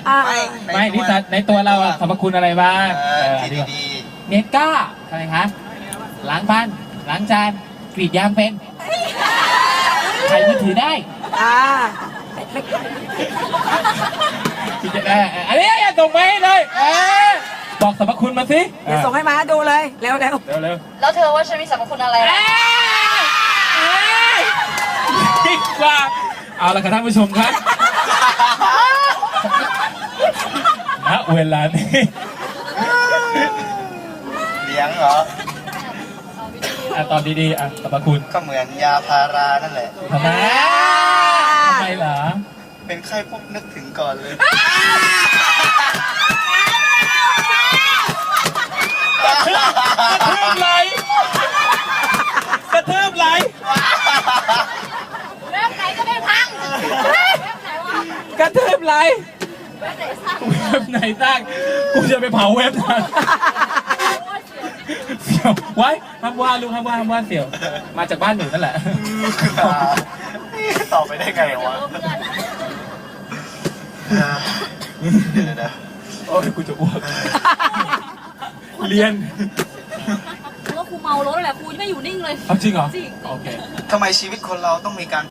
ไม่นิสัยในตัวเราอะสรรพคุณอะไรบ้างที่ดีเนตก้าอะไรคะล้างบ้านล้างจานกรีดยางเป็นใช้มือถือได้อันนี้อย่าส่งไปให้เลยบอกสรรพคุณมาสิเดี๋ยวส่งให้มาดูเลยเร็วเร็วแล้วเธอว่าฉันมีสรรพคุณอะไรดีกว่าเอาละครับท่านผู้ชมครับณเวลานี้ๆเลี้ยงเหรอตอบดีๆสรรพคุณก็เหมือนยาพารานั่นแหละทำไมเหรอเป็นไข้ปุ๊บนึกถึงก่อนเลยกระทืบไหลกระทืบไหลเรื่องไหนก็ไม่พังเรื่องไหนวะกระทืบไหลเรื่องไหนสร้างเว็บไหนสร้างกูจะไปเผาเว็บนั้นเสี่ยวไว้ห้ามว่าลูกห้ามว่าเสี่ยว มาจากบ้านหนูนั่นแหละต่อไปได้ไงวะเดี๋ยวนะโอ้ยกูจะอ้วกเรียนกูว่าครูเมารถแหละครูไม่อยู่นิ่งเลยเอาจริงเหรอจริงโอเคทำไมชีวิตคนเราต้องมีการ